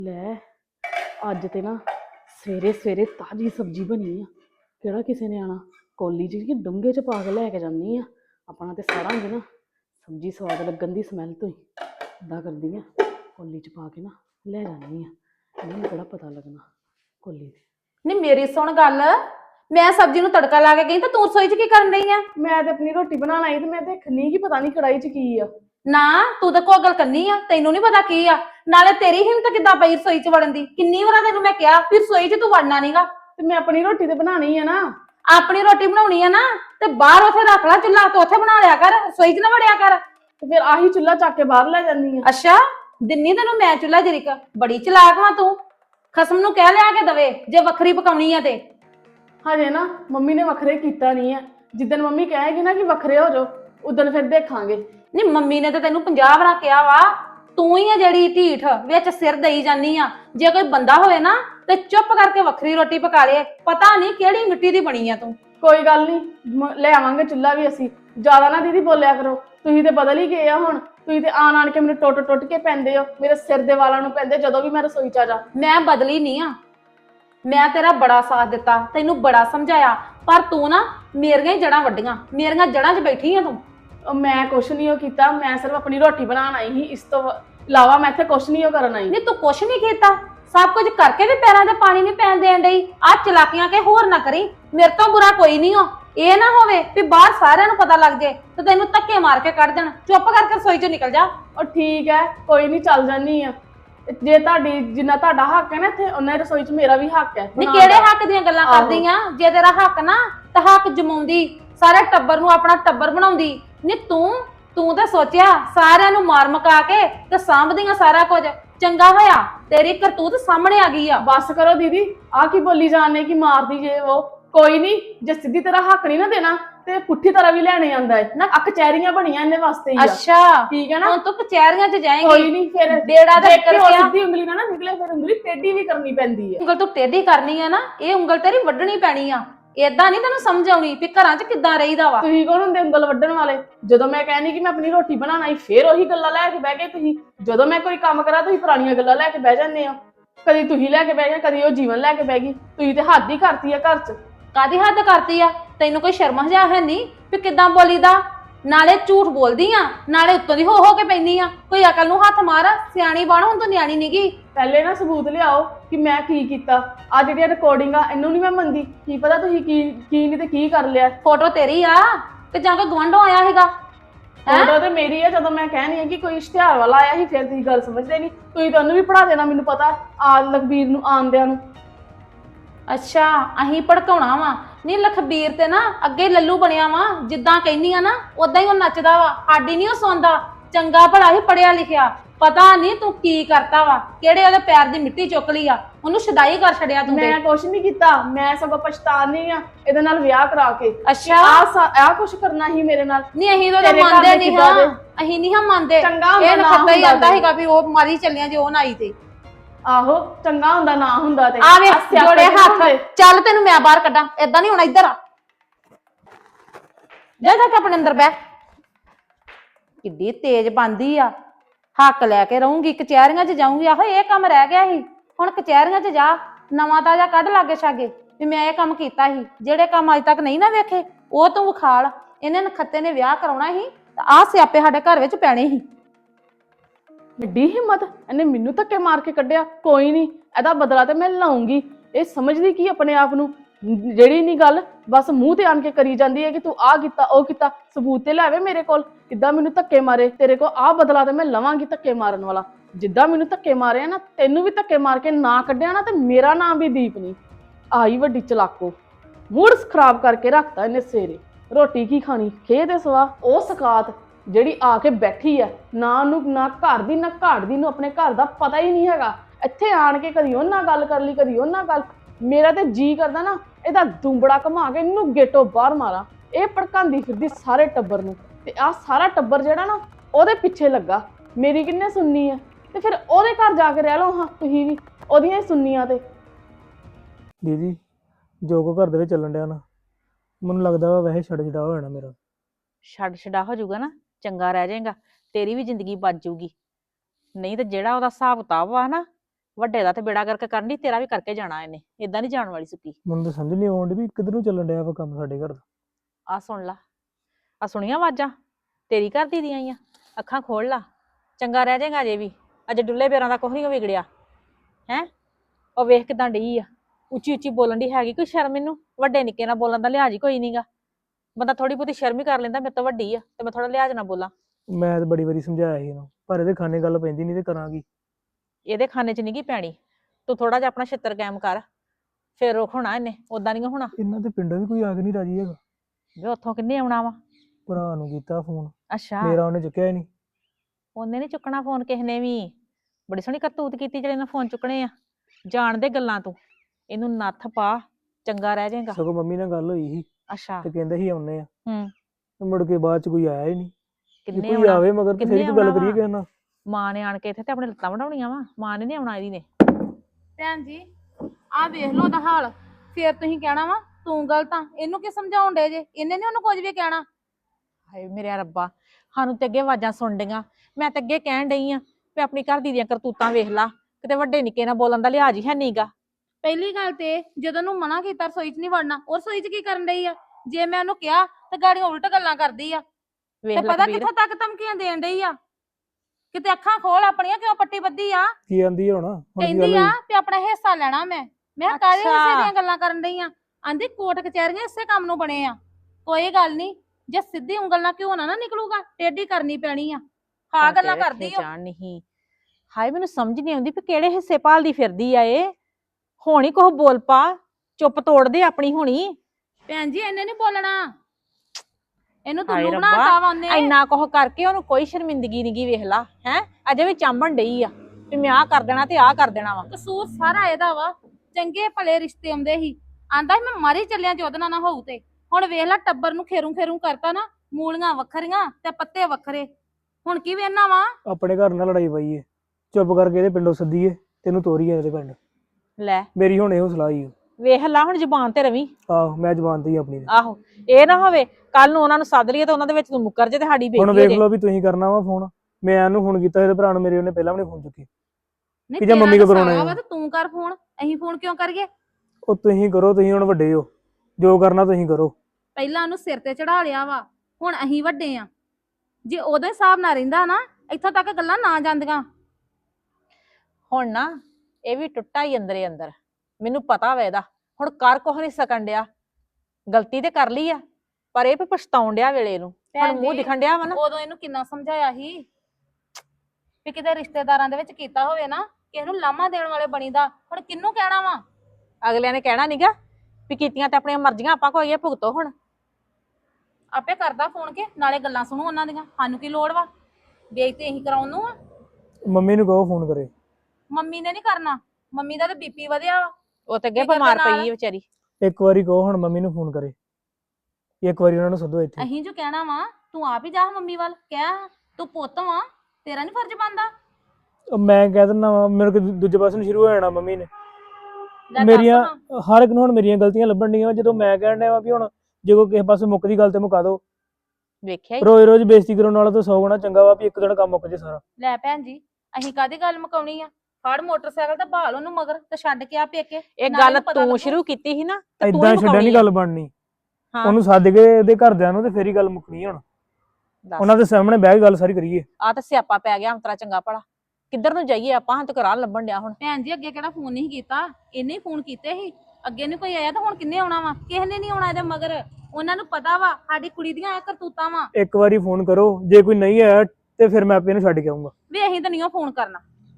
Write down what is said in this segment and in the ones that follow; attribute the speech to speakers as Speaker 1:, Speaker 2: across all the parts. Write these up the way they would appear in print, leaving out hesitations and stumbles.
Speaker 1: ਲੈ ਅੱਜ ਤੇ ਨਾ ਸਵੇਰੇ ਸਵੇਰੇ ਤਾਜ਼ੀ ਸਬਜ਼ੀ ਬਣੀ ਆ। ਕਿਹੜਾ ਕਿਸੇ ਨੇ ਆਣਾ। ਕੌਲੀ ਜਿਹੜੀ ਡੂੰਘੇ ਚ ਪਾ ਕੇ ਲੈ ਕੇ ਜਾਂਦੀ ਆ। ਆਪਣਾ ਤੇ ਸਾੜਾਂਗੇ ਨਾ ਸਬਜ਼ੀ ਸਵਾਦ ਲੱਗਣ ਦੀ ਸਮੈਲ ਤੋਂ ਹੀ ਇੱਦਾਂ ਕਰਦੀ ਆ। ਕੌਲੀ ਚ ਪਾ ਕੇ ਨਾ ਲੈ ਜਾਂਦੀ ਆ। ਇਹਨਾਂ ਨੂੰ ਕਿਹੜਾ ਪਤਾ ਲੱਗਣਾ ਕੌਲੀ ਦੇ।
Speaker 2: ਨੀ ਮੇਰੀ ਸੁਣ ਗੱਲ। ਮੈਂ ਸਬਜ਼ੀ ਨੂੰ ਤੜਕਾ ਲਾ ਕੇ ਗਈ ਤਾਂ ਤੂੰ ਰਸੋਈ 'ਚ ਕੀ ਕਰਨ ਰਹੀ ਆ?
Speaker 1: ਮੈਂ ਤੇ ਆਪਣੀ ਰੋਟੀ ਬਣਾਉਣ ਆਈ ਤੇ ਮੈਂ ਦੇਖਣੀ ਕਿ ਪਤਾ ਨਹੀਂ ਕੜਾਈ ਚ ਕੀ ਆ।
Speaker 2: ਨਾ ਤੂੰ ਤਾਂ ਕੋਗਲ ਕਰਨੀ ਆ, ਤੈਨੂੰ ਨਹੀਂ ਪਤਾ ਕੀ ਆ। ਨਾਲੇ ਤੇਰੀ ਹਿੰਮਤ ਕਿੱਦਾਂ ਪਈ ਰਸੋਈ 'ਚ ਵੜਨ ਦੀ? ਕਿੰਨੀ ਵਾਰ ਤੈਨੂੰ ਮੈਂ ਕਿਹਾ ਵੀ ਰਸੋਈ 'ਚ ਤੂੰ ਵੜਨਾ ਨਹੀਂਗਾ।
Speaker 1: ਤੇ ਮੈਂ ਆਪਣੀ ਰੋਟੀ ਤੇ ਬਣਾਉਣੀ ਆ ਨਾ।
Speaker 2: ਆਪਣੀ ਰੋਟੀ ਬਣਾਉਣੀ ਆ ਨਾ ਤੇ ਬਾਹਰ ਉੱਥੇ ਰੱਖ ਲੈ ਚੁੱਲ੍ਹਾ ਤੇ ਉੱਥੇ ਬਣਾ ਲਿਆ ਕਰ, ਰਸੋਈ 'ਚ ਨਾ ਵੜਿਆ ਕਰ।
Speaker 1: ਤੇ ਫਿਰ ਆਹੀ ਚੁੱਲ੍ਹਾ ਚੱਕ ਕੇ ਬਾਹਰ ਲੈ ਜਾਂਦੀ ਆ।
Speaker 2: ਅੱਛਾ, ਦਿੰਨੀ ਤੈਨੂੰ ਮੈਂ ਚੁੱਲ੍ਹਾ ਜਰੀਕ। ਬੜੀ ਚਲਾਕ ਵਾਂ ਤੂੰ। ਖਸਮ ਨੂੰ ਕਹਿ ਲਿਆ ਕੇ ਦਵੇ ਜੇ ਵੱਖਰੀ ਪਕਾਉਣੀ ਆ ਤੇ।
Speaker 1: ਹਜੇ ਨਾ ਮੰਮੀ ਨੇ ਵੱਖਰੇ ਕੀਤਾ ਨਹੀਂ ਆ। ਜਿੱਦਣ ਮੰਮੀ ਕਹੇਗੀ ਨਾ ਕਿ ਵੱਖਰੇ ਹੋ ਜਾਓ ਉਦੋਂ ਫਿਰ ਦੇਖਾਂਗੇ।
Speaker 2: ਨਹੀਂ ਮੰਮੀ ਨੇ ਤਾਂ ਤੈਨੂੰ 50 ਵਾਰ ਕਿਹਾ ਵਾ। ਤੂੰ ਹੀ ਆ ਜਿਹੜੀ ਢੀਠ ਵਿੱਚ ਸਿਰ ਦੇਈ ਜਾਨੀ ਆ। ਜੇ ਕੋਈ ਬੰਦਾ ਹੋਵੇ ਨਾ ਤੇ ਚੁੱਪ ਕਰਕੇ ਵੱਖਰੀ ਰੋਟੀ ਪਕਾ ਲੇ। ਪਤਾ ਨਹੀਂ ਕਿਹੜੀ ਮਿੱਟੀ ਦੀ ਬਣੀ ਆ ਤੂੰ।
Speaker 1: ਕੋਈ ਗੱਲ ਨਹੀਂ ਲੈ ਆਵਾਂਗੇ ਚੁੱਲ੍ਹਾ ਵੀ ਅਸੀਂ। ਜ਼ਿਆਦਾ ਨਾ ਦੀਦੀ ਬੋਲਿਆ ਕਰੋ। ਤੁਸੀਂ ਤੇ ਬਦਲ ਹੀ ਗਏ ਆ ਹੁਣ। ਤੁਸੀਂ ਤੇ ਆਣ ਕੇ ਮੈਨੂੰ ਟੁੱਟ ਟੁੱਟ ਕੇ ਪੈਂਦੇ ਹੋ। ਮੇਰੇ ਸਿਰ ਦੇ ਵਾਲਾਂ ਨੂੰ ਪੈਂਦੇ ਜਦੋਂ ਵੀ ਮੈਂ ਰਸੋਈ ਚ ਆ ਜਾ।
Speaker 2: ਮੈਂ ਬਦਲੀ ਨਹੀਂ ਆ। ਮੈਂ ਤੇਰਾ ਬੜਾ ਸਾਥ ਦਿੱਤਾ, ਤੈਨੂੰ ਬੜਾ ਸਮਝਾਇਆ, ਪਰ ਤੂੰ ਨਾ ਮੇਰੀਆਂ ਹੀ ਜੜ੍ਹਾਂ ਵੱਡੀਆਂ। ਮੇਰੀਆਂ ਜੜ੍ਹਾਂ 'ਚ ਬੈਠੀ ਆ ਤੂੰ।
Speaker 1: ਮੈਂ ਕੁਛ ਨਹੀਂ ਉਹ ਕੀਤਾ। ਮੈਂ ਸਿਰਫ ਆਪਣੀ ਰੋਟੀ ਬਣਾਉਣ ਆਈ ਸੀ। ਇਸ ਤੋਂ ਇਲਾਵਾ ਮੈਂ ਇੱਥੇ ਕੁਛ ਨਹੀਂ ਉਹ ਕਰਨ ਆਈ।
Speaker 2: ਨਹੀਂ ਤੂੰ ਕੁਛ ਨਹੀਂ ਕੀਤਾ। ਸਭ ਕੁਝ ਕਰਕੇ ਵੀ ਪੈਰਾਂ ਤੇ ਪਾਣੀ ਨਹੀਂ ਪੈਣ ਦੇਣ ਡਈ। ਆ ਚਲਾਕੀਆਂ ਕੇ ਹੋਰ ਨਾ ਕਰੀ। ਮੇਰੇ ਤੋਂ ਬੁਰਾ ਕੋਈ ਨਹੀਂ ਹੋ। ਇਹ ਨਾ ਹੋਵੇ ਵੀ ਬਾਹਰ ਸਾਰਿਆਂ ਨੂੰ ਪਤਾ ਲੱਗ ਜੇ ਤੇ ਤੈਨੂੰ ਧੱਕੇ ਮਾਰ ਕੇ ਕੱਢ ਦੇਣ। ਚੁੱਪ ਕਰਕੇ ਰਸੋਈ 'ਚੋਂ ਨਿਕਲ ਜਾ।
Speaker 1: ਉਹ ਠੀਕ ਹੈ, ਕੋਈ ਨਹੀਂ ਚੱਲ ਜਾਨੀ ਆ। ਜੇ ਤੁਹਾਡੀ ਜਿੰਨਾ ਤੁਹਾਡਾ ਹੱਕ ਹੈ ਨਾ ਇੱਥੇ ਉਹਨਾਂ ਦੀ ਰਸੋਈ 'ਚ ਮੇਰਾ ਵੀ ਹੱਕ ਹੈ।
Speaker 2: ਨਹੀਂ ਕਿਹੜੇ ਹੱਕ ਦੀਆਂ ਗੱਲਾਂ ਕਰਦੀ ਆ? ਜੇ ਤੇਰਾ ਹੱਕ ਨਾ ਤਾਂ ਹੱਕ ਜਮਾਉਂਦੀ, ਸਾਰੇ ਟੱਬਰ ਨੂੰ ਆਪਣਾ ਟੱਬਰ ਬਣਾਉਂਦੀ। ਨਹੀਂ ਤੂੰ ਤਾਂ ਸੋਚਿਆ ਸਾਰਿਆਂ ਨੂੰ ਮਾਰ ਮਕਾ ਕੇ ਤੇ ਸਾਂਭਦੀਆਂ ਸਾਰਾ ਕੁਝ। ਚੰਗਾ ਹੋਇਆ ਤੇਰੀ ਕਰਤੂਤ ਸਾਹਮਣੇ ਆ ਗਈ ਆ।
Speaker 1: ਬਸ ਕਰੋ ਦੀਦੀ, ਆ ਕੀ ਬੋਲੀ ਜਾਣੇ ਕਿ ਮਾਰਦੀ ਜੇ ਉਹ। ਕੋਈ ਨਹੀਂ, ਜੇ ਸਿੱਧੀ ਤਰ੍ਹਾਂ ਹੱਕ ਨਹੀਂ ਨਾ ਦੇਣਾ ਤੇ ਪੁੱਠੀ ਤਰ੍ਹਾਂ ਵੀ ਲੈਣੇ ਆਂਦਾ ਹੈ ਨਾ। ਕਚਹਿਰੀਆਂ ਬਣੀਆਂ ਇਹਨੇ ਵਾਸਤੇ ਹੀ ਆ।
Speaker 2: ਅੱਛਾ
Speaker 1: ਠੀਕ ਹੈ ਨਾ।
Speaker 2: ਹੁਣ ਤੂੰ ਕਚਹਿਰੀਆਂ 'ਚ ਜਾਏਂਗੀ।
Speaker 1: ਕੋਈ ਨਹੀਂ, ਫਿਰ
Speaker 2: ਬੇੜਾ ਦਾ
Speaker 1: ਦੇਖੀ
Speaker 2: ਕਰਕੇ
Speaker 1: ਸਿੱਧੀ ਉਂਗਲੀ ਨਾ ਨਿਕਲੇ ਫਿਰ ਉਂਗਲੀ ਟੇਢੀ ਵੀ ਕਰਨੀ ਪੈਂਦੀ ਹੈ।
Speaker 2: ਉਂਗਲ ਤੂੰ ਟੇਢੀ ਕਰਨੀ ਆ ਨਾ, ਇਹ ਉਂਗਲ ਤੇਰੀ ਵੱਢਣੀ ਪੈਣੀ ਆ। ਏਦਾਂ ਨਹੀਂ ਤੈਨੂੰ ਸਮਝ ਆਉਣੀ ਵੀ ਘਰਾਂ 'ਚ ਕਿੱਦਾਂ ਰਹੀਦਾ ਵਾ।
Speaker 1: ਤੁਸੀਂ ਕੌਣ ਹੁੰਦੇ ਉਂਗਲ ਵੱਢਣ ਵਾਲੇ? ਜਦੋਂ ਮੈਂ ਕਹਿੰਦੀ ਕਿ ਮੈਂ ਆਪਣੀ ਰੋਟੀ ਬਣਾਉਣਾ ਹੀ ਫੇਰ ਉਹੀ ਗੱਲਾਂ ਲੈ ਕੇ ਬਹਿ ਗਏ ਤੁਸੀਂ। ਜਦੋਂ ਮੈਂ ਕੋਈ ਕੰਮ ਕਰਾਂ ਤੁਸੀਂ ਪੁਰਾਣੀਆਂ ਗੱਲਾਂ ਲੈ ਕੇ ਬਹਿ ਜਾਂਦੇ ਹੋ। ਕਦੀ ਤੁਸੀਂ ਲੈ ਕੇ ਬਹਿ ਗਏ, ਕਦੀ ਉਹ ਜੀਵਨ ਲੈ ਕੇ ਬਹਿ ਗਈ। ਤੁਸੀਂ ਤੇ ਹੱਦ ਹੀ ਕਰਤੀ ਆ ਘਰ 'ਚ।
Speaker 2: ਕਾਦੀ ਹੱਦ ਕਰਤੀ ਆ? ਤੈਨੂੰ ਕੋਈ ਸ਼ਰਮ ਹਜਾ ਹੈ ਨਹੀਂ ਵੀ ਕਿੱਦਾਂ ਬੋਲੀਦਾ? ਨਾਲੇ ਝੂਠ ਬੋਲਦੀ ਆ, ਨਾਲੇ ਉੱਤੋਂ ਦੀ ਹੋ ਕੇ ਪੈਂਦੀ ਆ। ਕੋਈ ਅਕਲ ਨੂੰ ਹੱਥ ਮਾਰ। ਸਿਆਣੀ ਬਣ, ਹੁਣ ਤੂੰ ਨਿਆਣੀ ਨੀਗੀ।
Speaker 1: ਪਹਿਲੇ ਨਾ ਸਬੂਤ ਲਿਆਓ ਕਿ ਮੈਂ ਕੀ ਕੀਤਾ। ਆ ਜਿਹੜੀਆਂ ਰਿਕਾਰਡਿੰਗ ਆ ਇਹਨੂੰ ਨਹੀਂ ਮੈਂ ਮੰਨਦੀ। ਕੀ ਪਤਾ ਤੁਸੀਂ ਕੀ ਨਹੀਂ ਤੇ ਕੀ ਕਰ ਲਿਆ।
Speaker 2: ਫੋਟੋ ਤੇਰੀ ਆ ਕਿ ਜਾਂ ਕੋਈ ਗਵਾਂਢੋਂ ਆਇਆ ਹੈਗਾ?
Speaker 1: ਫੋਟੋ ਤੇ ਮੇਰੀ ਆ। ਜਦੋਂ ਮੈਂ ਕਹਿਣੀ ਆ ਕਿ ਕੋਈ ਇਸ਼ਤਿਹਾਰ ਵਾਲਾ ਆਇਆ ਸੀ ਫਿਰ ਤੁਸੀਂ ਗੱਲ ਸਮਝਦੇ ਨਹੀਂ। ਤੁਸੀਂ ਤਾਂ ਉਹਨੂੰ ਵੀ ਪੜਾ ਦੇਣਾ, ਮੈਨੂੰ ਪਤਾ ਆ ਲਖਬੀਰ ਨੂੰ ਆਂਦਿਆਂ ਨੂੰ।
Speaker 2: ਅੱਛਾ, ਅਹੀਂ ਭੜਕਾਉਣਾ ਵਾ? ਨਹੀਂ ਲਖਬੀਰ ਤੇ ਨਾ ਅੱਗੇ ਲੱਲੂ ਬਣਿਆ ਵਾ। ਜਿੱਦਾਂ ਕਹਿੰਦੀ ਆ ਨਾ ਉਦਾਂ ਹੀ ਉਹ ਨੱਚਦਾ ਵਾ। ਸਾਡੀ ਨਹੀਂ ਉਹ ਸੁਣਦਾ। ਚੰਗਾ ਭਲਾ ਹੀ ਪੜਿਆ ਲਿਖਿਆ। ਪਤਾ ਨਹੀਂ ਤੂੰ ਕੀ ਕਰਤਾ ਵਾ, ਕਿਹੜੇ ਉਹਦੇ ਪੈਰ ਦੀ ਮਿੱਟੀ ਚੁੱਕ ਲਈ ਆ। ਉਹਨੂੰ ਸ਼ਦਾਈ ਕਰ ਛੱਡਿਆ ਤੂੰ ਤੇ।
Speaker 1: ਮੈਂ ਕੁਛ ਨਹੀਂ ਕੀਤਾ। ਮੈਂ ਸਗੋਂ ਪਛਤਾਨੀ ਆ ਇਹਦੇ ਨਾਲ ਵਿਆਹ ਕਰਾ ਕੇ।
Speaker 2: ਅੱਛਾ
Speaker 1: ਆ ਕੁਛ ਕਰਨਾ ਹੀ ਮੇਰੇ ਨਾਲ।
Speaker 2: ਨਹੀਂ ਅਹੀਂ ਤਾਂ
Speaker 1: ਤੇਰੇ ਘਰ
Speaker 2: ਮੰਨਦੇ
Speaker 1: ਦੇ
Speaker 2: ਨਹੀਂ
Speaker 1: ਕਿੱਦਾਂ
Speaker 2: ਹਾਂ।
Speaker 1: ਦੇ?
Speaker 2: ਅਹੀਂ ਨਹੀਂ ਹਾਂ ਮੰਨਦੇ।
Speaker 1: ਚੰਗਾ ਹੁੰਦਾ
Speaker 2: ਇਹ
Speaker 1: ਨਾ
Speaker 2: ਨਖੱਤਾ ਹੀ
Speaker 1: ਹੁੰਦਾ
Speaker 2: ਆਂਦਾ
Speaker 1: ਤੇ।
Speaker 2: ਹੈਗਾ ਵੀ ਉਹ ਮਾਰੀ ਚੱਲਿਆ ਜੇ ਉਹ ਨਾ ਆਈ ਤੇ।
Speaker 1: ਆਹੋ ਚੰਗਾ ਹੁੰਦਾ ਨਾ ਹੁੰਦਾ ਤੇ।
Speaker 2: ਆ ਵੇ
Speaker 1: ਸਿਆਪੇ
Speaker 2: ਜੋੜੇ
Speaker 1: ਕਿਉਂ
Speaker 2: ਹੱਥ।
Speaker 1: ਹੁੰਦੇ?
Speaker 2: ਚੱਲ ਤੈਨੂੰ ਮੈਂ ਬਾਹਰ ਕੱਢਾਂ। ਏਦਾਂ ਨਹੀਂ ਹੋਣਾ, ਇੱਧਰ ਆ ਜਾ ਜਾ ਕੇ ਆਪਣੇ ਅੰਦਰ ਬਹਿ। ਕਿੱਡੀ ਤੇਜ਼ ਬੰਦੀ ਆ। ਹੱਕ ਲੈ ਕੇ ਰਹੂੰਗੀ, ਕਚਹਿਰੀਆਂ 'ਚ ਜਾਊਂਗੀ। ਆਹੋ ਇਹ ਕੰਮ ਰਹਿ ਗਿਆ ਸੀ, ਹੁਣ ਕਚਹਿਰੀਆਂ 'ਚ ਜਾ। ਨਵਾਂ ਤਾਜ਼ਾ ਕੱਢ ਲਾਗੇ ਛਾਗੇ ਵੀ ਮੈਂ ਇਹ ਕੰਮ ਕੀਤਾ ਸੀ। ਜਿਹੜੇ ਕੰਮ ਅੱਜ ਤੱਕ ਨਹੀਂ ਨਾ ਵੇਖੇ ਉਹ ਤੂੰ ਵਿਖਾਲ। ਇਹਨੇ ਨਖੱਤੇ ਨੇ ਵਿਆਹ ਕਰਾਉਣਾ ਸੀ ਤਾਂ ਆਹ ਸਿਆਪੇ ਸਾਡੇ ਘਰ ਵਿੱਚ ਪੈਣੇ ਸੀ।
Speaker 1: ਵੱਡੀ ਹਿੰਮਤ, ਇਹਨੇ ਮੈਨੂੰ ਧੱਕੇ ਮਾਰ ਕੇ ਕੱਢਿਆ। ਕੋਈ ਨਹੀਂ, ਇਹਦਾ ਬਦਲਾ ਤੇ ਮੈਂ ਲਾਉਂਗੀ। ਇਹ ਸਮਝਦੀ ਕੀ ਆਪਣੇ ਆਪ ਨੂੰ? ਜਿਹੜੀ ਨਹੀਂ ਗੱਲ ਬਸ ਮੂੰਹ ਤੇ ਆਣ ਕੇ ਕਰੀ ਜਾਂਦੀ ਹੈ ਕਿ ਤੂੰ ਆ ਕੀਤਾ ਉਹ ਕੀਤਾ। ਸਬੂਤ ਤੇ ਲਿਆਵੇ ਮੇਰੇ ਕੋਲ। ਕਿੱਦਾਂ ਮੈਨੂੰ ਧੱਕੇ ਮਾਰੇ ਤੇਰੇ ਕੋਲ। ਆ ਬਦਲਾ ਤੇ ਮੈਂ ਲਵਾਂਗੀ ਧੱਕੇ ਮਾਰਨ ਵਾਲਾ। ਜਿੱਦਾਂ ਮੈਨੂੰ ਧੱਕੇ ਮਾਰੇ ਨਾ ਤੈਨੂੰ ਵੀ ਧੱਕੇ ਮਾਰ ਕੇ ਨਾ ਕੱਢਿਆ ਨਾ ਤੇ ਮੇਰਾ ਨਾਮ ਵੀ ਦੀਪ ਨਹੀਂ। ਆਈ ਵੱਡੀ ਚਲਾਕੋ। ਮੂਡ ਖਰਾਬ ਕਰਕੇ ਰੱਖਤਾ ਇਹਨੇ ਸਵੇਰੇ। ਰੋਟੀ ਕੀ ਖਾਣੀ ਖੇ ਦੇ ਸਵਾ। ਉਹ ਸਕਾਤ ਜਿਹੜੀ ਆ ਕੇ ਬੈਠੀ ਆ, ਨਾ ਉਹਨੂੰ ਨਾ ਘਰ ਦੀ ਨਾ ਘਾਟ ਦੀ ਨੂੰ ਆਪਣੇ ਘਰ ਦਾ ਪਤਾ ਹੀ ਨਹੀਂ ਹੈਗਾ। ਇੱਥੇ ਆਣ ਕੇ ਕਦੀ ਉਹ ਨਾਲ ਗੱਲ ਕਰ ਲਈ, ਕਦੀ ਉਹ ਨਾਲ ਗੱਲ। ਮੇਰਾ ਤੇ ਜੀ ਕਰਦਾ ਨਾ ਇਹਦਾ ਦੁੰਬੜਾ ਘੁਮਾ ਕੇ ਇਹਨੂੰ ਗੇਟੋਂ ਬਾਹਰ ਮਾਰਾਂ। ਇਹ ਭੜਕਾਉਂਦੀ ਫਿਰਦੀ ਸਾਰੇ ਟੱਬਰ ਨੂੰ ਤੇ ਆਹ ਸਾਰਾ ਟੱਬਰ ਜਿਹੜਾ ਨਾ ਉਹਦੇ ਪਿੱਛੇ ਲੱਗਾ। ਮੇਰੀ ਕਿੰਨੇ ਸੁਣਨੀ ਆ? ਤੇ ਫਿਰ ਉਹਦੇ ਘਰ ਜਾ ਕੇ ਰਹਿ ਲਓ ਹਾਂ ਤੁਸੀਂ ਵੀ ਉਹਦੀਆਂ ਹੀ ਸੁਣਨੀਆਂ ਤੇ।
Speaker 3: ਦੀਦੀ ਜੋ ਕੋ ਘਰ ਦੇ ਵਿੱਚ ਚੱਲਣ ਡਿਆ ਨਾ, ਮੈਨੂੰ ਲੱਗਦਾ ਵਾ ਵੈਸੇ ਛੱਡ ਛਡਾ ਹੋ ਜਾਣਾ ਮੇਰਾ।
Speaker 4: ਛੱਡ ਛਡਾ ਹੋ ਜਾਊਗਾ ਨਾ, ਚੰਗਾ ਰਹਿ ਜਾਏਗਾ। ਤੇਰੀ ਵੀ ਜ਼ਿੰਦਗੀ ਬਚ ਜਾਊਗੀ। ਨਹੀਂ ਤੇ ਜਿਹੜਾ ਉਹਦਾ ਹਿਸਾਬ ਕਿਤਾਬ ਵਾ ਨਾ, ਵੱਡੇ ਦਾ ਤੇ ਬੇੜਾ ਕਰਕੇ ਕਰਨੀ, ਤੇਰਾ ਵੀ ਕਰਕੇ ਜਾਣਾ ਇਹਨੇ, ਏਦਾਂ ਨਹੀਂ ਜਾਣ ਵਾਲੀ ਸੁੱਕੀ।
Speaker 3: ਮੈਨੂੰ ਤਾਂ ਸਮਝ ਨਹੀਂ ਆਉਂਦੀ ਵੀ ਕਿੱਧਰ ਨੂੰ ਚੱਲਣ ਡਿਆ ਵਾ ਕੰਮ ਸਾਡੇ ਘਰ ਦਾ।
Speaker 4: ਆ ਸੁਣ ਲਾ, ਆ ਸੁਣੀਆਂ ਆਵਾਜ਼ਾਂ ਤੇਰੀ ਘਰ ਦੀ ਦੀਆਂ ਹੀ ਆ। ਅੱਖਾਂ ਖੋਲ ਲਾ, ਚੰਗਾ ਰਹਿ ਜਾਏਗਾ ਅਜੇ ਵੀ। ਅਜੇ ਡੁੱਲੇ ਬੇਰਾਂ ਦਾ ਕੁਛ ਨਹੀਂ ਵਿਗੜਿਆ ਹੈ। ਉਹ ਵੇਖ ਕਿਦਾਂ ਡਈ ਆ, ਉੱਚੀ ਉੱਚੀ ਬੋਲਣ ਦੀ। ਹੈਗੀ ਕੋਈ ਸ਼ਰਮ ਇਹਨੂੰ? ਵੱਡੇ ਨਿੱਕੇ ਨਾਲ ਬੋਲਣ ਦਾ ਲਿਹਾਜ਼ ਹੀ ਕੋਈ ਨਹੀਂਗਾ। ਬੰਦਾ ਥੋੜੀ ਬਹੁਤੀ ਸ਼ਰਮ ਹੀ ਕਰ ਲੈਂਦਾ, ਮੇਰੇ ਤੋਂ ਵੱਡੀ ਆ ਤੇ ਮੈਂ ਥੋੜਾ ਲਿਹਾਜ਼ ਨਾਲ ਬੋਲਾਂ।
Speaker 3: ਮੈਂ ਤਾਂ ਬੜੀ ਵਾਰੀ ਸਮਝਾਇਆ ਸੀ ਇਹਨੂੰ, ਪਰ ਇਹਦੇ ਖਾਨੇ ਗੱਲ ਪੈਂਦੀ ਨਹੀਂ ਤੇ ਕਰਾਂਗੀ।
Speaker 4: ਇਹਦੇ ਖਾਨੇ 'ਚ ਨਹੀਂ ਗੀ ਪੈਣੀ। ਤੂੰ ਥੋੜਾ ਜਿਹਾ ਆਪਣਾ ਛਿੱਤਰ ਕਾਇਮ ਕਰ, ਫਿਰ ਰੁੱਖ ਹੋਣਾ ਇਹਨੇ, ਓਦਾਂ ਨਹੀਂ ਹੋਣਾ।
Speaker 3: ਇਹਨਾਂ ਦੇ ਪਿੰਡੋਂ ਵੀ ਕੋਈ ਆ ਕੇ ਨਹੀਂ ਰਾਜੀ ਹੈਗਾ।
Speaker 4: ਵੇ ਉੱਥੋਂ ਕਿੰਨੇ ਆਉਣਾ ਵਾ?
Speaker 3: ਭਰਾ ਨੂੰ ਕੀਤਾ ਫੋਨ,
Speaker 4: ਅੱਛਾ,
Speaker 3: ਮੇਰਾ ਉਹਨੇ ਚੁੱਕਿਆ ਹੀ ਨਹੀਂ।
Speaker 4: ਉਹਨੇ ਨਹੀਂ ਚੁੱਕਣਾ ਫੋਨ ਕਿਸੇ ਨੇ ਵੀ। ਬੜੀ ਸੋਹਣੀ ਕਰਤੂਤ ਕੀਤੀ ਜਿਹੜੇ ਨੇ ਫੋਨ ਚੁੱਕਣੇ ਆ। ਜਾਣਦੇ ਗੱਲਾਂ ਤੂੰ, ਇਹਨੂੰ ਨੱਥ ਪਾ, ਚੰਗਾ ਰਹਿ ਜਾਏਗਾ।
Speaker 3: ਸਗੋਂ ਮੰਮੀ ਨਾਲ ਗੱਲ ਹੋਈ ਸੀ
Speaker 4: ਅੱਛਾ,
Speaker 3: ਤੇ ਕਹਿੰਦੇ ਸੀ ਆਉਨੇ ਆ,
Speaker 4: ਹੂੰ,
Speaker 3: ਤੇ ਮੁੜ ਕੇ ਬਾਅਦ ਚ ਕੋਈ ਆਇਆ ਹੀ ਨਹੀਂ। ਜੇ
Speaker 4: ਕਿੰਨੇ
Speaker 3: ਕੋਈ
Speaker 4: ਆਉਣਾ?
Speaker 3: ਆਵੇ ਮਗਰ ਤੇ ਫਿਰ
Speaker 4: ਕਿੰਨੇ
Speaker 3: ਵੀ ਗੱਲ
Speaker 4: ਆਉਣਾ
Speaker 3: ਕਰੀਏ
Speaker 4: ਵਾ?
Speaker 3: ਕਿਸੇ ਨਾਲ।
Speaker 4: ਮਾਂ ਨੇ ਆਣ ਕੇ ਇੱਥੇ ਤੇ ਆਪਣੇ ਲੱਤਾਂ ਵਢਾਉਣੀਆਂ ਵਾ। ਮਾਂ ਨੇ ਨਹੀਂ ਆਉਣਾ ਇਹਦੀ ਨੇ।
Speaker 2: ਭੈਣ ਜੀ ਆਹ ਵੇਖ ਲਓ ਉਹਦਾ ਹਾਲ। ਫੇਰ ਤੁਸੀਂ ਕਹਿਣਾ ਵਾ ਤੂੰ ਗਲਤ ਆ। ਇਹਨੂੰ ਕੀ ਸਮਝਾਉਣ ਡੇ ਜੇ? ਇਹਨੇ ਨੀ ਉਹਨੂੰ ਕੁਝ ਵੀ ਕਹਿਣਾ।
Speaker 4: ਹਾਏ ਮੇਰੇ ਰੱਬਾ, ਸਾਨੂੰ ਤੇ ਅੱਗੇ ਆਵਾਜ਼ਾਂ ਸੁਣ ਡਈਆਂ। ਮੈਂ ਤੇ ਅੱਗੇ ਕਹਿਣ ਡਈ ਆ ਵੀ ਆਪਣੀ ਘਰ ਦੀ ਦੀਆਂ ਕਰਤੂਤਾਂ ਵੇਖ ਲਾ, ਕਿਤੇ ਵੱਡੇ ਨਿੱਕੇ ਨਾਲ ਬੋਲਣ ਦਾ ਲਿਹਾਜ਼ ਹੀ ਹੈ ਨੀਗਾ।
Speaker 2: ਪਹਿਲੀ ਗੱਲ ਤੇ ਜਦੋਂ ਨੂੰ ਮਨਾ ਕੀਤਾ ਰਸੋਈ 'ਚ ਨਹੀਂ ਵੜਨਾ, ਉਹ ਰਸੋਈ 'ਚ ਕੀ ਕਰਨ ਡਈ ਆ? ਜੇ ਮੈਂ ਉਹਨੂੰ ਕਿਹਾ ਤੇ ਗਾੜੀਆਂ ਉਲਟ ਗੱਲਾਂ ਕਰਦੀ ਆ। ਤੇ
Speaker 4: ਵੇਖ
Speaker 2: ਪਤਾ
Speaker 4: ਲਖਬੀਰ,
Speaker 2: ਕਿੱਥੋਂ ਤੱਕ ਧਮਕੀਆਂ ਦੇਣ ਡਈ ਆ। ਕਿਤੇ ਅੱਖਾਂ ਖੋਲ ਆਪਣੀਆਂ, ਕਿਉਂ ਪੱਟੀ ਬੱਧੀ ਆ?
Speaker 3: ਕੀ ਆਂਦੀ ਹੁਣ ਕੀ
Speaker 2: ਕਹਿੰਦੀ
Speaker 3: ਗੱਲ
Speaker 2: ਆ
Speaker 3: ਹੋਈ?
Speaker 2: ਵੀ ਆਪਣਾ ਹਿੱਸਾ ਲੈਣਾ ਮੈਂ ਕਾਹਦੇ ਹਿੱਸੇ
Speaker 4: ਅੱਛਾ।
Speaker 2: ਦੀਆਂ ਗੱਲਾਂ ਕਰਨ ਡਈ ਆ? ਆਂਦੀ ਕੋਰਟ ਕਚਹਿਰੀਆਂ ਇਸੇ ਕੰਮ ਨੂੰ ਬਣੇ ਆ। ਕੋਈ ਗੱਲ ਨਹੀਂ, ਜੇ ਸਿੱਧੀ ਉਂਗਲ ਨਾਲ ਘਿਓ ਨਾ ਨਿਕਲੂਗਾ, ਟੇਢੀ ਕਰਨੀ ਪੈਣੀ ਆ। ਹਾਂ ਗੱਲਾਂ ਕਰਦੀ ਓ।
Speaker 4: ਜਾਣ ਨਹੀਂ। ਹਾਏ ਮੈਨੂੰ ਸਮਝ ਨਹੀਂ ਆਉਂਦੀ ਵੀ ਕਿਹੜੇ ਹਿੱਸੇ ਭਾਲਦੀ ਫਿਰਦੀ ਆ ਇਹ। ਹੋਣੀ ਕੁਛ ਬੋਲ ਪਾ, ਚੁੱਪ ਤੋੜ ਦੇ ਆਪਣੀ ਹੋਣੀ।
Speaker 2: ਭੈਣ ਜੀ ਇਹਨੇ ਨਹੀਂ ਬੋਲਣਾ, ਇਹਨੂੰ
Speaker 4: ਹਾਏ
Speaker 2: ਤੁੱਲੂ
Speaker 4: ਰੱਬਾ,
Speaker 2: ਬਣਾਤਾ ਵਾ ਉਹਨੇ।
Speaker 4: ਇੰਨਾ ਕੁਛ ਕਰਕੇ ਉਹਨੂੰ ਕੋਈ ਸ਼ਰਮਿੰਦਗੀ ਨੀ ਗੀ। ਵੇਖ ਲਾ ਹੈ, ਅਜੇ ਵੀ ਚਾਂਬਣ ਡਈ ਆ ਵੀ ਮੈਂ ਆਹ ਕਰ ਦੇਣਾ ਤੇ ਆਹ ਕਰ ਦੇਣਾ ਵਾ।
Speaker 2: ਕਸੂਰ ਸਾਰਾ ਇਹਦਾ ਵਾ। ਚੰਗੇ ਭਲੇ ਰਿਸ਼ਤੇ ਆਉਂਦੇ ਸੀ, ਆਂਦਾ ਸੀ ਮੈਂ ਮਾਰੀ ਚੱਲਿਆ ਜੇ ਉਹਦੇ ਨਾਲ ਨਾ ਹੋਊ ਤੇ। ਹੁਣ ਵੇਖ ਲੈ ਟੱਬਰ ਨੂੰ ਖੇਰੂ ਖੇਰੂ ਕਰਤਾ ਨਾ, ਮੂਲੀਆਂ ਵੱਖਰੀਆਂ ਤੇ ਪੱਤੇ ਵੱਖਰੇ। ਹੁਣ ਕੀ ਵੇਖਣਾ ਵਾ?
Speaker 3: ਆਪਣੇ ਘਰ ਨਾਲ ਲੜਾਈ ਪਈ ਏ, ਚੁੱਪ ਕਰਕੇ ਇਹਦੇ ਪਿੰਡੋਂ ਸੱਦੀਏ, ਤੈਨੂੰ ਤੋਰੀਏ ਇਹਦੇ ਪਿੰਡ।
Speaker 4: ਲੈ
Speaker 3: ਮੇਰੀ ਹੁਣ ਇਹੋ ਸਲਾਹ ਹੀ ਆ।
Speaker 4: ਵੇਖ ਲਾ ਹੁਣ ਜ਼ੁਬਾਨ ਤੇ ਰਵੀ।
Speaker 3: ਆਹੋ ਮੈਂ ਜ਼ਬਾਨ ਤੇ ਹੀ ਆਪਣੀ ਦੇ।
Speaker 4: ਆਹੋ, ਇਹ ਨਾ ਹੋਵੇ ਕੱਲ ਨੂੰ ਉਹਨਾਂ ਨੂੰ ਸੱਦ ਲਈਏ ਤੇ ਉਹਨਾਂ ਦੇ ਵਿੱਚ ਤੂੰ ਮੁੱਕਰ ਜੇ ਤੇ ਸਾਡੀ
Speaker 3: ਹੁਣ
Speaker 4: ਬੇਇੱਜ਼ਤੀ ਹੋ
Speaker 3: ਵੇਖ
Speaker 4: ਜੇ।
Speaker 3: ਲਓ ਵੀ ਤੁਸੀਂ ਕਰਨਾ ਵਾ ਫੋਨ। ਮੈਂ ਇਹਨੂੰ ਫੋਨ ਕੀਤਾ ਇਹਦੇ ਭਰਾ ਨੂੰ, ਮੇਰੇ ਉਹਨੇ ਪਹਿਲਾਂ ਵੀ ਨਹੀਂ ਫੋਨ ਚੁੱਕੀ।
Speaker 2: ਨਹੀਂ
Speaker 3: ਕਿ ਜੇ
Speaker 2: ਤੇਰਾ
Speaker 3: ਮੰਮੀ
Speaker 2: ਤਾਂ
Speaker 3: ਕੋ ਕਰਾਉਣਾ
Speaker 2: ਸਾਲਾ
Speaker 3: ਹੈ।
Speaker 2: ਵਾ ਤੇ ਤੂੰ ਕਰ ਫੋਨ, ਅਸੀਂ ਫੋਨ ਕਿਉਂ ਕਰੀਏ?
Speaker 3: ਉਹ ਤੁਸੀਂ ਕਰੋ, ਤੁਸੀਂ ਹੁਣ ਵੱਡੇ ਹੋ, ਜੋ ਕਰਨਾ ਤੁਸੀਂ ਕਰੋ।
Speaker 2: ਪਹਿਲਾਂ ਉਹਨੂੰ ਸਿਰ ਤੇ ਚੜਾ ਲਿਆ ਵਾ, ਹੁਣ ਅਸੀਂ ਵੱਡੇ ਆ। ਜੇ ਉਹਦੇ ਹਿਸਾਬ ਨਾਲ ਰਹਿੰਦਾ ਨਾ, ਇੱਥੋਂ ਤੱਕ ਗੱਲਾਂ ਨਾ ਜਾਂਦੀਆਂ।
Speaker 4: ਹੁਣ ਨਾ ਇਹ ਵੀ ਟੁੱਟਾ ਹੀ ਅੰਦਰੇ ਅੰਦਰ, ਮੈਨੂੰ ਪਤਾ ਵਾ ਇਹਦਾ। ਹੁਣ ਕਰ ਕੁਛ ਨਹੀਂ ਸਕਣ ਡਿਆ। ਗਲਤੀ ਤੇ ਕਰ ਲਈ ਆ, ਪਰ ਇਹ ਵੀ ਪਛਤਾਉਣ ਡਿਆ ਵੇਲੇ ਨੂੰ। ਹੁਣ
Speaker 2: ਭੈਣ
Speaker 4: ਮੂੰਹ
Speaker 2: ਜੀ,
Speaker 4: ਦਿਖਣ ਡਿਆ ਵਾ ਨਾ।
Speaker 2: ਉਦੋਂ ਇਹਨੂੰ ਕਿੰਨਾ ਸਮਝਾਇਆ ਸੀ ਵੀ ਕਿਤੇ ਰਿਸ਼ਤੇਦਾਰਾਂ ਦੇ ਵਿੱਚ ਕੀਤਾ ਹੋਵੇ ਨਾ, ਕਿਸੇ ਨੂੰ ਲਾਮਾ ਦੇਣ ਵਾਲੇ ਬਣੀਦਾ। ਹੁਣ ਕਿਹਨੂੰ ਕਹਿਣਾ ਵਾ?
Speaker 4: ਅਗਲਿਆਂ ਨੇ ਕਹਿਣਾ ਨੀਗਾ ਵੀ ਕੀਤੀਆਂ ਤੇ ਆਪਣੀਆਂ ਮਰਜ਼ੀਆਂ, ਆਪਾਂ ਕੋਈ ਇਹ ਭੁਗਤੋ ਹੁਣ।
Speaker 2: ਆਪੇ ਕਰਦਾ ਫੋਨ ਕੇ, ਨਾਲੇ ਗੱਲਾਂ ਸੁਣੋ ਉਹਨਾਂ ਦੀਆਂ। ਸਾਨੂੰ ਕੀ ਲੋੜ ਵਾ ਬੇਇੱਜ਼ਤੀ ਅਸੀਂ ਕਰਾਉਣ ਨੂੰ ਆ?
Speaker 3: ਮੰਮੀ ਨੂੰ ਕਹੋ ਫੋਨ ਕਰੇ।
Speaker 2: ਮੰਮੀ ਨੇ ਨਹੀਂ ਕਰਨਾ, ਮੰਮੀ ਦਾ ਤੇ ਬੀਪੀ ਵਧਿਆ ਵਾ।
Speaker 4: ਉਹ ਤੇ ਅੱਗੇ
Speaker 2: ਫਿਕਰ ਦੇ
Speaker 4: ਬਿਮਾਰ
Speaker 2: ਨਾਲ।
Speaker 4: ਪਈ ਹੈ ਵਿਚਾਰੀ।
Speaker 3: ਇੱਕ ਵਾਰੀ ਕਹੋ ਹੁਣ ਮੰਮੀ ਨੂੰ ਫੋਨ ਕਰੇ, ਇੱਕ ਵਾਰੀ ਉਹਨਾਂ ਨੂੰ ਸੱਦੋ ਇੱਥੇ।
Speaker 2: ਅਸੀਂ ਜੋ ਕਹਿਣਾ ਵਾ, ਤੂੰ ਆਪ ਹੀ ਜਾ ਮੰਮੀ ਵੱਲ ਕਹਿ। ਤੂੰ ਪੁੱਤ ਵਾ, ਤੇਰਾ ਨਹੀਂ ਫਰਜ਼ ਬਣਦਾ?
Speaker 3: ਉਹ ਮੈਂ ਕਹਿ ਦਿੰਦਾ ਵਾ, ਮੇਰੇ ਕੋਲ ਦੂਜੇ ਪਾਸੇ ਨੂੰ ਸ਼ੁਰੂ ਹੋ ਜਾਣਾ ਮੰਮੀ ਨੇ।
Speaker 2: ਲੈ ਦੱਸ
Speaker 3: ਮੇਰੀਆਂ
Speaker 2: ਹਾਂ।
Speaker 3: ਹਰ ਇੱਕ ਨੂੰ ਹੁਣ ਮੇਰੀਆਂ ਗਲਤੀਆਂ ਲੱਭਣ ਡੀਆਂ। ਜਦੋਂ ਮੈਂ ਕਹਿਣ ਡਿਆ ਵਾ ਵੀ ਹੁਣ ਜੇ ਕੋਈ ਕਿਸੇ ਪਾਸੇ ਮੁੱਕਦੀ ਗੱਲ ਤੇ ਮੁਕਾ ਦੋ।
Speaker 4: ਵੇਖਿਆ ਈ?
Speaker 3: ਰੋਜ਼ ਰੋਜ਼ ਬੇਇੱਜ਼ਤੀ ਕਰਾਉਣ ਨਾਲੋਂ ਤਾਂ 100 ਗੁਣਾ ਚੰਗਾ ਵਾ ਵੀ ਇੱਕ ਦਿਨ ਕੰਮ ਮੁੱਕ ਜੇ ਸਾਰਾ।
Speaker 2: ਲੈ ਭੈਣ ਜੀ, ਅਸੀਂ ਕਾਹਦੀ ਗੱਲ ਮੁਕਾਉਣੀ ਆ? ਫੜ ਮੋਟਰਸਾਈਕਲ ਤੇ ਬਹਾਲ ਉਹਨੂੰ ਮਗਰ ਤੇ ਛੱਡ ਕੇ ਆ ਪੇਕੇ।
Speaker 4: ਇਹ
Speaker 2: ਨਾਲੇ
Speaker 4: ਗੱਲ
Speaker 2: ਨੂੰ ਪਤਾ
Speaker 4: ਤੂੰ
Speaker 2: ਲੱਗੂ।
Speaker 4: ਸ਼ੁਰੂ ਕੀਤੀ ਸੀ ਨਾ, ਤੇ ਤੂੰ
Speaker 3: ਏਦਾਂ
Speaker 4: ਹੀ
Speaker 3: ਛੱਡਿਆ
Speaker 4: ਮੁਕਾਉਣੀ
Speaker 3: ਨਹੀਂ
Speaker 4: ਆ।
Speaker 3: ਗੱਲ ਬਣਨੀ।
Speaker 4: ਹਾਂ।
Speaker 3: ਉਹਨੂੰ ਸੱਦ ਕੇ ਉਹਦੇ ਘਰਦਿਆਂ ਨੂੰ ਤੇ ਫੇਰ ਹੀ ਗੱਲ ਮੁੱਕਣੀ ਹੁਣ।
Speaker 4: ਦੱਸ,
Speaker 3: ਉਹਨਾਂ ਦੇ ਸਾਹਮਣੇ ਬਹਿ ਕੇ ਗੱਲ ਸਾਰੀ ਕਰੀਏ।
Speaker 4: ਆ ਤਾਂ ਸਿਆਪਾ ਪੈ ਗਿਆ ਅੰਤਰਾ ਚੰਗਾ ਭਲਾ। ਕਿੱਧਰ ਨੂੰ ਜਾਈਏ ਆਪਾਂ? ਹਾਂ ਤੇ ਘਰਾਂ ਲੱਭਣ ਡਿਆ ਹੁਣ।
Speaker 2: ਭੈਣ ਜੀ ਅੱਗੇ ਕਿਹੜਾ ਫੋਨ ਨਹੀਂ ਕੀਤਾ, ਇਹਨੇ ਹੀ ਫੋਨ ਕੀਤੇ ਸੀ। ਅੱਗੇ ਨਹੀਂ ਕੋਈ ਆਇਆ ਤਾਂ ਹੁਣ ਕਿੰਨੇ ਆਉਣਾ ਵਾ? ਕਿਸੇ ਨੇ ਨਹੀਂ ਆਉਣਾ ਇਹਦੇ ਮਗਰ। ਉਹਨਾਂ ਨੂੰ ਪਤਾ ਵਾ ਸਾਡੀ ਕੁੜੀ ਦੀਆਂ ਇਹ ਕਰਤੂਤਾਂ ਵਾ।
Speaker 3: ਇੱਕ ਵਾਰੀ ਫੋਨ ਕਰੋ, ਜੇ ਕੋਈ ਨਹੀਂ ਆਇਆ ਤੇ ਫਿਰ ਮੈਂ ਆਪੇ ਇਹਨੂੰ ਛੱਡ ਕੇ ਆਊਂਗਾ।
Speaker 2: ਵੀ ਅਸੀਂ ਤਾਂ ਨਹੀਂ ਫੋਨ ਕਰਨਾ।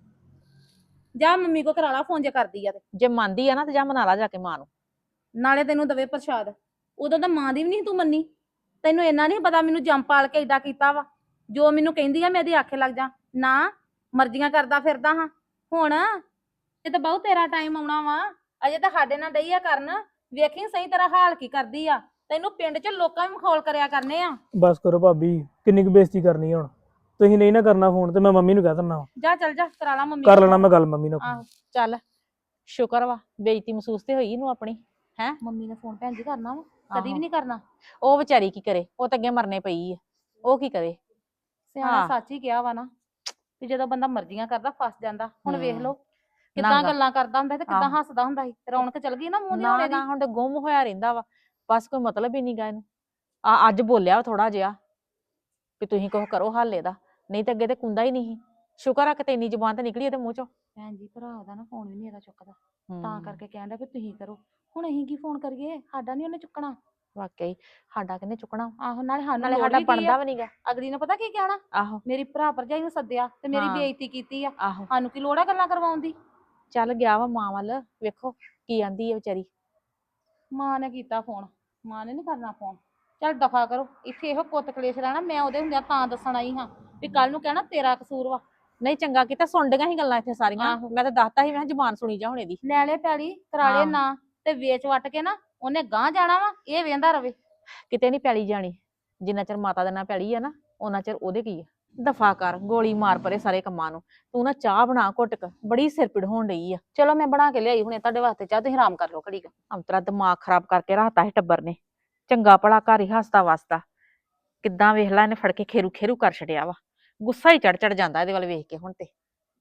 Speaker 2: ਜਾ ਮੰਮੀ ਕੋ ਕਰਾ ਲਾ ਫੋਨ ਜੇ ਕਰਦੀ ਆ ਤੇ।
Speaker 4: ਜੇ ਮੰਨਦੀ ਆ ਨਾ ਤੇ ਜਾ ਮਨਾ ਲਾ ਜਾ ਕੇ ਮਾਂ ਨੂੰ।
Speaker 2: ਨਾਲੇ ਤੈਨੂੰ ਦਵੇ ਪ੍ਰਸ਼ਾਦ। ਉਦੋਂ ਤਾਂ ਮਾਂ ਦੀ ਵੀ ਨਹੀਂ ਤੂੰ ਮੰਨੀ। ਤੈਨੂੰ ਇੰਨਾ ਨਹੀਂ ਪਤਾ ਮੈਨੂੰ ਜੰਮ ਪਾਲ ਕੇ ਏਦਾਂ ਕੀਤਾ ਵਾ। ਜੋ ਮੈਨੂੰ ਕਹਿੰਦੀ ਆ ਮੈਂ ਇਹਦੇ ਆਖੇ ਲੱਗ ਜਾ ਨਾ, ਮਰਜ਼ੀਆਂ ਕਰਦਾ ਫਿਰਦਾ ਹਾਂ। ਹੁਣ ਇਹ ਤਾਂ ਬਹੁਤ ਤੇਰਾ ਟਾਈਮ ਆਉਣਾ ਵਾ। ਅਜੇ ਤਾਂ ਸਾਡੇ ਨਾਲ ਡਈ ਆ ਕਰਨ। ਵੇਖੀ ਸਹੀ ਤੇਰਾ ਹਾਲ ਕੀ ਕਰਦੀ ਆ। ਤੈਨੂੰ ਪਿੰਡ 'ਚ ਲੋਕਾਂ ਵੀ ਮਖੌਲ ਕਰਿਆ ਕਰਨੇ ਆ।
Speaker 3: ਬਸ ਕਰੋ ਭਾਬੀ, ਕਿੰਨੀ ਕੁ ਬੇਇੱਜ਼ਤੀ ਕਰਨੀ ਆ ਹੁਣ। ਤੁਸੀਂ ਨਹੀਂ ਨਾ ਕਰਨਾ ਫੋਨ ਤੇ ਮੈਂ ਮੰਮੀ ਨੂੰ ਕਹਿ ਦਿੰਦਾ ਵਾ।
Speaker 2: ਜਾ ਚੱਲ ਜਾ ਕਰਾ ਲਾ ਮੰਮੀ
Speaker 3: ਕਰ
Speaker 2: ਨਾਲ
Speaker 3: ਲੈਣਾ ਮੈਂ
Speaker 2: phone।
Speaker 3: ਗੱਲ ਮੰਮੀ ਨਾਲ।
Speaker 2: ਆਹੋ
Speaker 4: ਚੱਲ ਸ਼ੁਕਰ ਵਾ, ਬੇਇੱਜ਼ਤੀ ਮਹਿਸੂਸ ਤੇ ਹੋਈ ਇਹਨੂੰ ਆਪਣੀ। ਹੈ
Speaker 2: ਮੰਮੀ ਨੇ ਫੋਨ ਭੈਣ ਜੀ ਕਰਨਾ ਵਾ, ਕਦੀ
Speaker 4: ਆਹੋ।
Speaker 2: ਵੀ ਨਹੀਂ ਕਰਨਾ।
Speaker 4: ਉਹ ਵਿਚਾਰੀ ਕੀ ਕਰੇ? ਉਹ ਤਾਂ ਅੱਗੇ ਮਰਨੇ ਪਈ ਆ। ਉਹ ਕੀ ਕਰੇ?
Speaker 2: ਸਿਆਣਾ
Speaker 4: ਹਾਂ।
Speaker 2: ਸੱਚ ਹੀ ਕਿਹਾ ਵਾ ਨਾ, ਵੀ ਜਦੋਂ ਬੰਦਾ ਮਰਜ਼ੀਆਂ ਕਰਦਾ ਫਸ ਜਾਂਦਾ। ਹੁਣ ਵੇਖ
Speaker 4: ਹਮ।
Speaker 2: ਲਓ ਕਿੱਦਾਂ
Speaker 4: ਨਾ
Speaker 2: ਗੱਲਾਂ ਕਰਦਾ ਹੁੰਦਾ ਸੀ ਤੇ ਕਿੱਦਾਂ
Speaker 4: ਆਹੋ।
Speaker 2: ਹੱਸਦਾ ਹੁੰਦਾ ਸੀ ਰੌਣਕ ਚਲ ਗਈ ਨਾ ਮੂੰਹ ਦੀ
Speaker 4: ਨਾ
Speaker 2: ਹੋਣੇ ਦੀ
Speaker 4: ਨਾ ਹੁਣ ਤੇ ਗੁੰਮ ਹੋਇਆ ਰਹਿੰਦਾ ਵਾ ਬਸ ਕੋਈ ਮਤਲਬ ਹੀ ਨਹੀਂ ਗਾ ਇਹਨੂੰ ਅੱਜ ਬੋਲਿਆ ਥੋੜਾ ਜਿਹਾ ਵੀ ਤੁਸੀਂ ਕੁਛ ਕਰੋ ਹੱਲ ਇਹਦਾ ਨਹੀਂ ਤੇ ਅੱਗੇ ਤੇ ਕੁੰਦਾ ਹੀ ਨਹੀਂ ਸੀ। ਸ਼ੁਕਰ ਆ ਕਿਤੇ ਇੰਨੀ ਜ਼ੁਬਾਨ ਤੇ ਨਿਕਲੀ ਇਹਦੇ ਮੂੰਹ ਚੋਂ।
Speaker 2: ਭੈਣ ਜੀ ਭਰਾ ਦਾ ਨਾ ਫੋਨ ਵੀ ਨਹੀਂ ਇਹਦਾ ਚੁੱਕਦਾ ਤਾਂ ਕਰਕੇ ਕਹਿੰਦਾ ਵੀ ਤੁਸੀਂ ਕਰੋ ਹੁਣ ਅਸੀਂ ਕੀ ਫੋਨ ਕਰੀਏ ਸਾਡਾ ਨਹੀਂ ਉਹਨੇ ਚੁੱਕਣਾ
Speaker 4: ਵਾਕਈ ਸਾਡਾ ਕਿਹਨੇ ਚੁੱਕਣਾ
Speaker 2: ਆਹੋ ਨਾਲੇ ਸਾਨੂੰ
Speaker 4: ਨਾਲੇ
Speaker 2: ਲੋੜ
Speaker 4: ਸਾਡਾ
Speaker 2: ਵੀ ਕੀ ਆ
Speaker 4: ਬਣਦਾ ਵੀ ਨਹੀਂਗਾ।
Speaker 2: ਅਗਲੀ ਨੇ ਪਤਾ ਕੀ ਕਹਿਣਾ
Speaker 4: ਆਹੋ
Speaker 2: ਮੇਰੀ ਭਰਾ ਭਰਜਾਈ ਨੂੰ ਸੱਦਿਆ ਤੇ ਮੇਰੀ
Speaker 4: ਹਾਂ।
Speaker 2: ਬੇਇੱਜ਼ਤੀ ਕੀਤੀ ਆ
Speaker 4: ਆਹੋ
Speaker 2: ਸਾਨੂੰ ਕੀ ਲੋੜ ਆ ਗੱਲਾਂ ਕਰਵਾਉਣ ਦੀ
Speaker 4: ਚੱਲ ਗਿਆ ਵਾ ਮਾਂ ਵੱਲ ਵੇਖੋ ਕੀ ਆਂਦੀ ਹੈ ਵਿਚਾਰੀ।
Speaker 2: ਮਾਂ ਨੇ ਕੀਤਾ ਫੋਨ ਮਾਂ ਨੇ ਨਹੀਂ ਕਰਨਾ ਫੋਨ ਚੱਲ ਦਫਾ ਕਰੋ ਇੱਥੇ ਇਹੋ ਕੁੱਤ ਕਲੇਸ਼ ਰਹਿਣਾ ਮੈਂ ਉਹਦੇ ਹੁੰਦਿਆਂ ਤਾਂ ਦੱਸਣ ਆਈ ਹਾਂ ਵੀ ਕੱਲ ਨੂੰ ਕਹਿਣਾ ਤੇਰਾ ਕਸੂਰ ਵਾ
Speaker 4: ਨਹੀਂ ਚੰਗਾ ਕੀਤਾ ਸੁਣ ਡੀਆਂ ਸੀ ਗੱਲਾਂ ਇੱਥੇ ਸਾਰੀਆਂ
Speaker 2: ਆਹੋ।
Speaker 4: ਮੈਂ ਤਾਂ ਦੱਸਤਾ ਸੀ ਮੈਂ ਕਿਹਾ ਜ਼ੁਬਾਨ ਸੁਣੀ ਜਾ ਹੁਣ ਇਹਦੀ।
Speaker 2: ਲੈ ਲੈ ਪੈਲੀ ਕਰਾਲੇ
Speaker 4: ਹਾਂ।
Speaker 2: ਨਾ ਤੇ ਵੇਚ ਵੱਟ ਕੇ ਨਾ ਉਹਨੇ ਗਾਂਹ ਜਾਣਾ ਵਾ ਇਹ ਵੇਂਦਾ ਰਵੇ
Speaker 4: ਕਿਤੇ ਨਹੀਂ ਪੈਲੀ ਜਾਣੀ ਜਿੰਨਾ ਚਿਰ ਮਾਤਾ ਦੇ ਨਾਲ ਪੈਲੀ ਆ ਨਾ ਉਹਨਾਂ ਚਿਰ ਉਹਦੇ ਕੀ ਆ। ਦਫਾ ਕਰ ਗੋਲੀ ਮਾਰ ਪਰੇ ਸਾਰੇ ਕੰਮਾਂ ਨੂੰ ਤੂੰ ਨਾ ਚਾਹ ਬਣਾ ਘੁੱਟਕ ਬੜੀ ਸਿਰ ਪੀੜ ਹੋਣ ਡਈ ਆ।
Speaker 2: ਚਲੋ ਮੈਂ ਬਣਾ ਕੇ ਲਿਆਈ ਹੁਣੇ ਤੁਹਾਡੇ ਵਾਸਤੇ ਚਾਹ ਤੁਸੀਂ ਆਰਾਮ ਕਰ ਲਓ ਘੜੀ ਕੁ
Speaker 4: ਅੰਤਰਾ ਦਿਮਾਗ ਖਰਾਬ ਕਰਕੇ ਰੱਖਤਾ ਸੀ ਟੱਬਰ ਨੇ ਚੰਗਾ ਭਲਾ ਘਰ ਹੀ ਹੱਸਦਾ ਵਸਦਾ ਕਿੱਦਾਂ ਵੇਖ ਲੈ ਇਹਨੇ ਫੜ ਕੇ ਖੇਰੂ ਖੇਰੂ ਕਰ ਛੜਿਆ ਵਾ ਗੁੱਸਾ ਹੀ ਚੜ ਜਾਂਦਾ ਇਹਦੇ ਵੱਲ ਵੇਖ ਕੇ ਹੁਣ ਤੇ।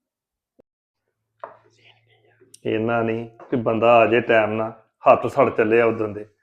Speaker 5: ਇਹਨਾਂ ਨਹੀਂ ਕਿ ਬੰਦਾ ਆ ਜੇ ਟਾਈਮ ਨਾਲ ਹੱਥ ਸੜ ਚੱਲੇ ਆ ਉਦੋਂ ਦੇ।